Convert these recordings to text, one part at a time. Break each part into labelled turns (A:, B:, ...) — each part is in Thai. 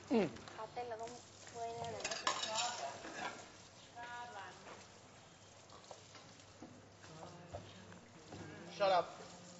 A: เขาเต้นแล้วต้องช่วยแน่เลย
B: Shut up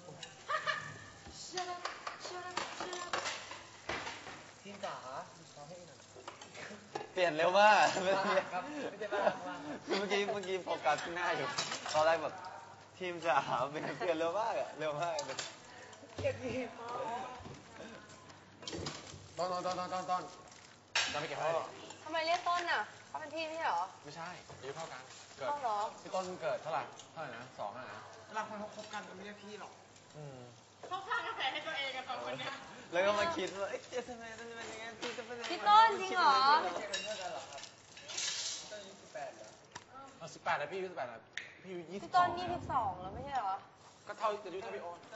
B: ทีมจ๋าขอให้หน่อย
C: เปลี่ยนเร็วมากไม่ได้ครับไม่ได้บ้าคือเมื่อกี้โฟกัสที่หน้าอยู่ตอนแรกแบบทีมจะหาเปลี่ยนเร็วมากอะเร็วมากเลย
B: เก็บดีต้นจะไปเก็บให้
A: ทำไมเรียกต้นอ่ะเขาเป็นพี่ไม่ใช่เหรอ
B: ไม่ใช่อายุเท่ากันเกิดพี่ต้นเกิดเท่าไหร่นะ2นะเวลาคนเขาคบกันมันไม่ใช่พี่หรอก
D: เขาสร้างกระแสให้ตัวเองกันสองคนเนี้ย
C: แล้วก็มาคิดว่าเอ๊ะทำไมต้องเป็นอย่างงี้พี่จะเป็น
A: พี่ต้นจริงเหรอ
B: 18แล้วพี่อายุ18แล้วพี่อายุ22
A: พี่ต้น22แล้วไม่ใช่เหรอ
B: ก็เท่าอายุเท่าพี่โอ๊ต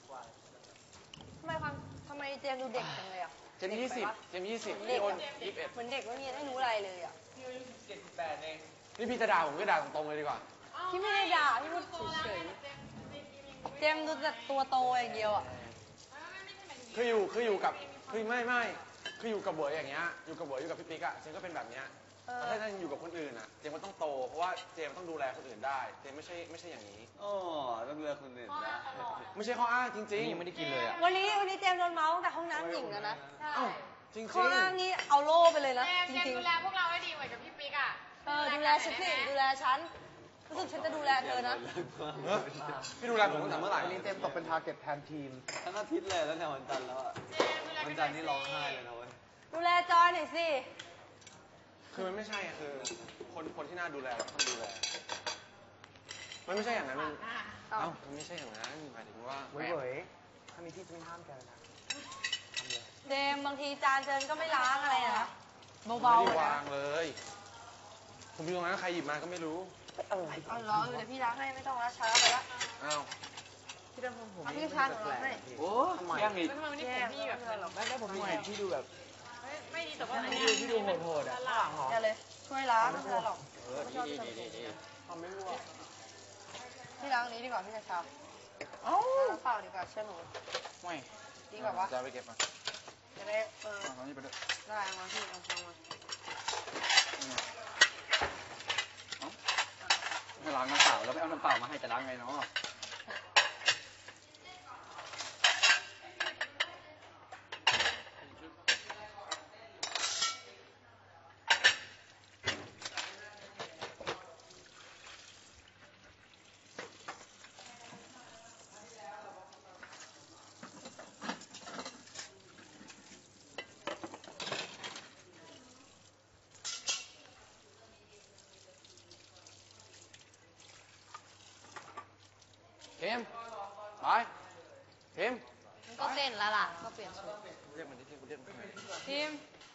A: ทำไมเจมดูเด็กจังเลยอ่ะ
B: เจม20พี่โอ๊ต21
A: เหมือนเด็กไม่มีไม่รู้อะไรเลยอ่ะ
D: พี่อายุ17-18เอง
B: นี่พี่จะด่าผมก็ด่าตรงๆเลยดีกว่า
A: พี่ไม่ได้ด่าพี่พูดเฉยๆเจมดูแต่ตัวโตอย่างเดียวอ่ะ
B: คืออยู่กับคือไม่คืออยู่กับเบ๋ออย่างเงี้ยอยู่กับเบ๋ออยู่กับพี่ปิ๊กอะเจมก็เป็นแบบเนี้ยแต่ถ้าอยู่กับคนอื่นอะเจมก็ต้องโตเพราะว่าเจมต้องดูแลคนอื่นได้เจมไม่ใช่อย่างนี้
C: อ๋อต้องดูแลคนอื่นนะ
B: ไม่ใช่ข้ออ้างจริงๆ
C: ยังไม่ได้กินเลยอะ
A: วันนี้เจมโดนเมาส์แต่ห้องน้ำหญิงแล้วนะ
B: จริงๆ
A: ข้ออ้างนี้เอาโล่ไปเลยนะจริงๆ
D: ดูแลพวกเราให้ดีเหมือนกับพี่ปิ๊กอะ
A: ดูแลฉันสิดูแลฉันรู้สึกฉันจะดูแลเธอนะ
B: พี่ดูแลผมตั้งแต่เมื่อไหร่
E: เจมตกเป็นทาร์เก็ตแทนทีม
C: ทั้งอาทิตย์เลยแล้วเนี่ยวันจันทร์แล้วอะวันจันทร์นี่ร้องไห้เลยนะเว้ย
A: ดูแลจอยหน่อยสิ
B: คือมันไม่ใช่อะคือคนที่น่าดูแลต้องดูแลมันไม่ใช่อย่างนั้นมันมันไม่ใช่อย่างนั้นหมายถึงว่า
E: เว้ยถ้ามีที่จะไม่ห้ามแกนะทำเลย
A: เจมบางทีจานเจนก็ไม่ล้างอะไรนะ
B: เบาๆไม่ได้วางเลยผมอยู่ตรงนั้นใครหยิบมาก็ไม่รู้
E: อะไร
A: อ๋อเหรอเดี๋ยวพี่ล้างให้ไม่ต้องล้างช้าไปละ
E: พี่ดำผม
A: พี่ชาหนูล้างให้
C: โอ้แย่งอีก
D: ทำไมวันนี้ผมพี่แบบ
E: ได้ผมเห็นพี่ดูแบบ
D: ไม่ดีแต่ว่า
E: พี่ดูโหดอ่ะ
A: อย่าเลยช่วยล้างไม่ใช่หรอก
C: ดี
B: ทำไม่รู้อ่ะ
A: พี่ล้างนี้ดีกว่าพี่ชาเปล่าดีกว่าเชื่อหนู
B: ไม่
A: ดีกว่าวะ
B: จะไปเก็บมา
A: จะได้
B: ตอนนี้ไปด้วย
A: ได้มาพี่เอาฟังมา
C: ให้ล้างน้ำเปล่าแล้วไปเอาน้ำเปล่ามาให้จะล้างไงเนาะ
B: เข็มไปเข็ม
A: ก็เต้นแล้วล่ะก็เปลี่ยนชุด
B: เรียกมันที่เรียกมัน
A: ทีม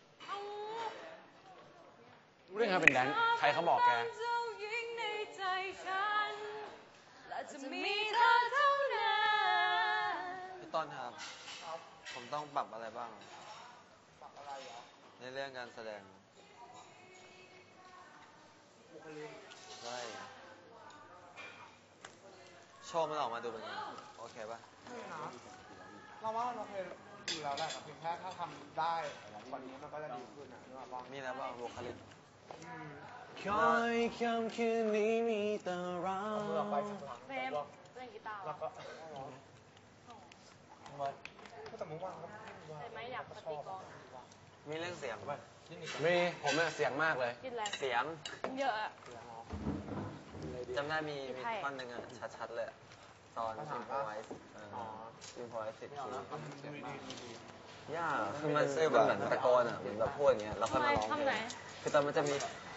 B: เรื่องเป็นแดนใครเขาบอกแก
C: พี่ต้นครับผมต้องปรับอะไรบ้าง
E: ปรับอะไรเหรอ
C: ในเรื่องการแสดงใช่โชว์มันออกมาดูเป็นไงโอเคป่ะ
E: เราว่าเราเคยดูแล้วแหละแต่เพียงแค่ถ้าทำได้กว่านี้มันก็จะดีขึ้นนะ
C: นี่นะบ้างบุคลิก
B: คอยคำคืนนี้มีแต่เรา
A: เฟมเล่นกีตาร์
E: แล้วก็แต่เมื่อวานก็
A: ไม่อยากปฏิกร
C: มีเรื่องเสียงป่ะ
B: มีผมเนี่ยเสียงมากเลย
C: เสียง
A: เยอะอะ
C: จำได้มีท่อนหนึ่งอะชัดๆเลยตอนอินโฟไวส์อินโฟไวส์10 ทียากคือมันเหมือนตะโกนอ่ะเหมือนแบบพูดอย่างเงี้ยแล้วค่อยมาร้องเพลงคือตอนมันจะมี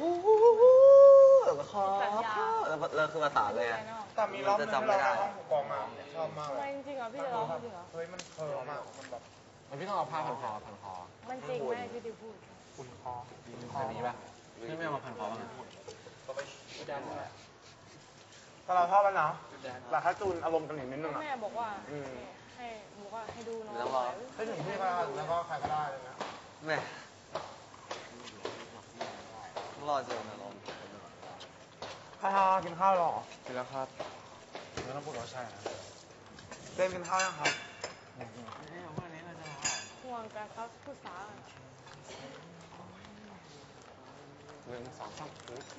C: แล้วคอแล้วคือภาษาเลยอ่ะ
E: แต่มีร้องจำไม่ได้กองมาชอบมากเลย
A: จริงเหรอพี่จะร้องจริงเหรอ
E: เฮ้ยมันมากมันแบบ
B: พี่ต้องเอาผ้าพันคอ
A: มันจริงไหมพี่ดิวพูด
E: คุณคอ
B: นี้ป่ะพี่ไม่เอามาพันคอบ้าง
E: แต่เราชอบมันเนาะแต่ถ้าจูนอารมณ์กันนิดนึงอ่ะ
A: แม่บอกว่าให้ดูน้อง
E: ให้ถึงพี่ก็ได้แล้วก็ใครก็ได้เลยนะ
C: แม่รอเจอนะลอง
E: กินข้าวหรอ
B: กินแล้วครับไม่ต้องพูดว่าใช่นะ
E: เต้นกินข้าวยังครับ
A: ห่วง
F: แต่เขาพูดสาว
B: 1 2 3ปึ๊บ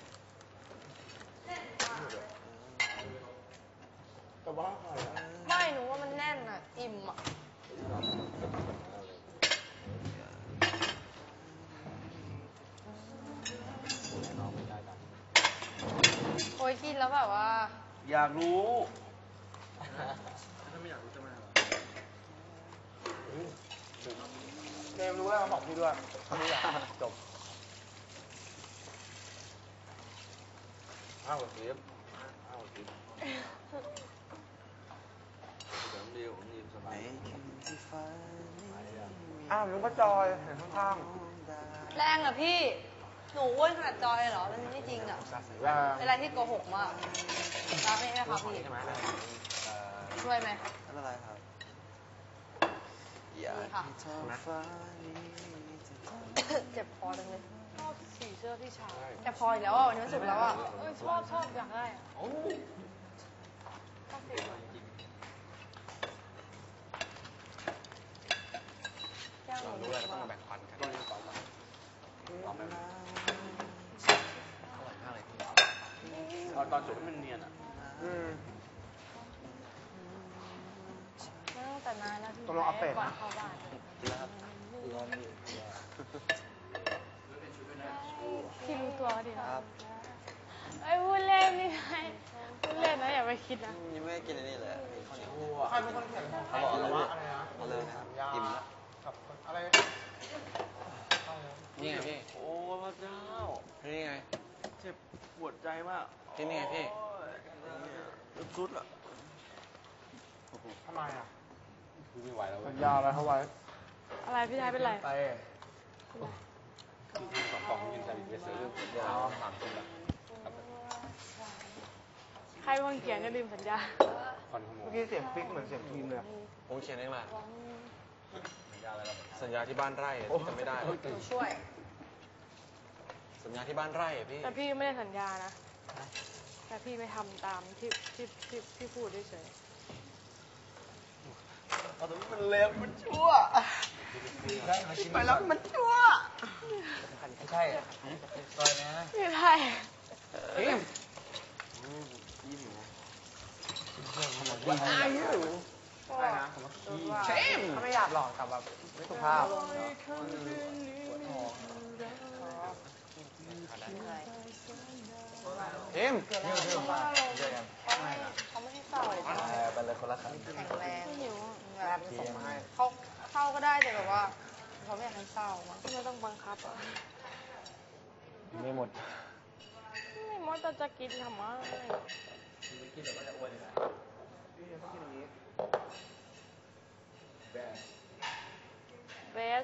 E: แต่ว่าใครอะ
A: ไม่หนูว่ามันแน่นอ่ะ อิ่มอ่ะ โอ้ยกินแล้วแบบว่า
C: อยากรู้
B: ถ้าไม่อยากรู้จะมาเหรอ
E: เจมส์รู้แล้วมาบอกพี่ด้วยรู้แล้วจบ
C: อ้าวเสียบอ้าวเสียบเดี๋ยวเดียวผมยืนสบาย
E: อ้าวมึงก็จอยเห็นข้าง
A: แรงอ่ะพี่ หนูอ้วนขนาดจอยเหรอ มันไม่จริงอ่ะ
E: ๆแรง
A: เป็นอะไรที่โกหกมากรับไหมครับพี่
B: ใช่ไหม
A: ช่วยไหม
C: ไม่เป็นไรครับ
A: ดีค่ะ เจ็บคอจังเลย
F: ชอบสีเสื้อพี่ชาย
A: เจ็บคออีกแล้วอ่ะวันนี้วันศุกร์แล้วอ่ะ
F: ชอบอยากได้อะชอบสีอะไร
A: แก้วห
B: เรา
A: นู
B: รู้แล้วก็ต้องมาแบ่งปันกันต่อไปอร่อยมากเลยพี่ตอนจุดมันเนียนอ่ะ
A: ไม่ต้องแต่นานแล้วพี่
E: ต้องลองอัปเดต
A: ก่อน
E: นะ
A: เข้าบ้าน
F: พี่รู้ตัวก็ดีนะเอ้ยพูดเล่นไม่ใช่พูดเล่นนะอย่าไปคิดนะ
C: ยังไม่ได้กินอันนี้เลยข้าวเหนียว
E: ใครเป็นคนเขียนของใคร
C: เขาบอก
E: ห
C: แล้
E: รือ
C: ว
E: ว่า
C: ว่า
E: อะไรนะ
C: เอาเลยนะครับอิ่มแล้ว
E: กับอะไร
B: นี่ไงพี่
C: โอ้พระเจ้า
B: นี่ไง
C: เจ็บปวดใจมาก
B: ที่นี่ไงพี่
C: สุดละ
E: ทำไมอ่ะ
B: พี่ไม่ไหวแล้วเว้
E: สั
B: ย
E: ญญาอะไรเขาไว้
F: อะไรพี่ชายเป็นไร
E: ไป
B: 2 กล่องยินแต่ไปซื้อเดี๋ยว3 คนละ
F: ใครเป็นคนเขียนจะลืมสัญญา
B: คอนขโม
E: เมื่อย กี้เสียงฟิกเหมือนเสียงทีมเลยอะ
B: ผมเขียนเองแหละสัญญาที่บ้านไร่จะไม่ได้
A: หนูช่วย
B: สัญญาที่บ้านไร่อะพี่
F: แต่พี่ไม่ได้สัญญานะ แต่พี่ไม่ทำตามที่พูดเฉย
C: มันเลวมันชั่วไปแล้วมันชั่วไม่ใช่ซอยนะ
F: ๆไม่ใช่
E: อะไรนะเชมเขาไม่อยากหลอกแต่แบบไม่สุภาพ
B: เอ็ม
A: เขาไม่ให้เศร้า
C: ไปเลยคนละครั้ง
A: แข็งแรง
F: หิว
E: แม่ไปส่งมาให้
A: เขาเศร้าก็ได้แต่แบบว่าเขาไม่อยากให้เศร้ามั้ง
F: ไม่ต้องบังคับอ่ะ
B: ไม่หมด
F: ไม่มดจะกินทำไม
E: พี่ต้องกินอย่างนี้
F: เบส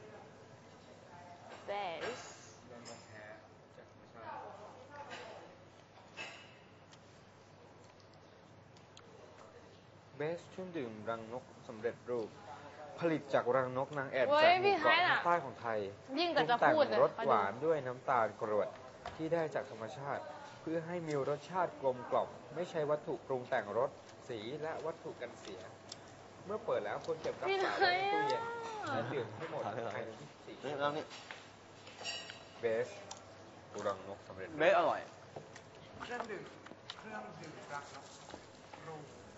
G: เบสเครื่องดื่มรังนกสำเร็จรูป ผลิตจากรังนกนางแอ่น
F: เว้
G: จาก
F: ย
G: ห
F: พี่
G: มู่
F: ไทย
G: เกาะ
F: น่ะ
G: ทางใต้ของไทย
F: ยิ่งแต่จะ
G: ปรุง
F: พูด
G: แต่
F: เลย
G: งรสหวานด้วยน้ำตาลกรวดที่ได้จากธรรมชาติ เพื่อให้มีรสชาติกลมกล่อมไม่ใช้วัตถุปรุงแต่งรสสีและวัตถุกันเสีย เมื่อเปิดแล้วควรเก็บรักษาไว้ในตู้เย็นและดื่มให้หมดภายใน24
C: นี่แล้วนี่
G: เบสรังนกสำเร็จรูป
C: เบสอร่อย
E: เครื่องดื่มรักนกรู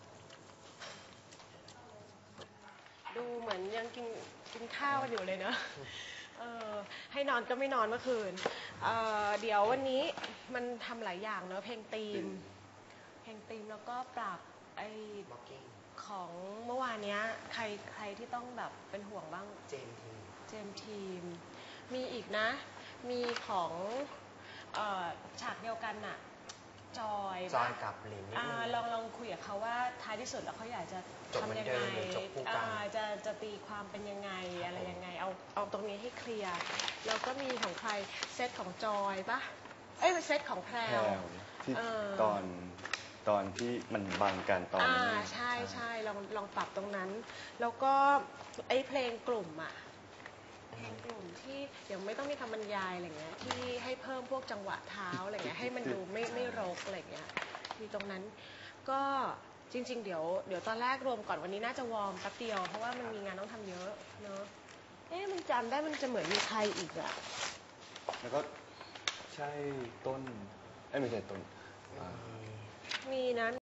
H: ดูเหมือนยังกินข้าวกันอยู่เลยเนอะให้นอนก็ไม่นอนเมื่อคืนเดี๋ยววันนี้มันทำหลายอย่างเนอะเพลงธีมแล้วก็ปรับไอของเมื่อวานเนี้ยใครที่ต้องแบบเป็นห่วงบ้างเจมทีมมีอีกนะ มีของฉากเดียวกันน่ะจอยกับลินลองคุยกับเขาว่าท้ายที่สุดแล้วเขาอยากจะทำยังไงจะตีความเป็นยังไงอะไรยังไงเอาตรงนี้ให้เคลียร์แล้วก็มีของใครเซตของจอยปะเซตของแพรว
I: ที่ตอนที่มันบังกันตอนนี้
H: ใช่ลองปรับตรงนั้น แล้วก็ไอ้เพลงกลุ่มอะเพลงกลุ่มที่เดี๋ยวไม่ต้องมีคำบรรยายอะไรเงี้ยที่ให้เพิ่มพวกจังหวะเท้าอะไรเงี้ยให้มันดูไม่รกอะไรเงี้ยมีตรงนั้นก็จริงๆเดี๋ยวตอนแรกรวมก่อนวันนี้น่าจะวอร์มแป๊บเดียวเพราะว่ามันมีงานต้องทำเยอะเนอะจำได้มันจะเหมือนมีใครอีกอ่ะ
I: แล้วก็ใช่ต้นไม่ใช่ต้น
H: มีนะ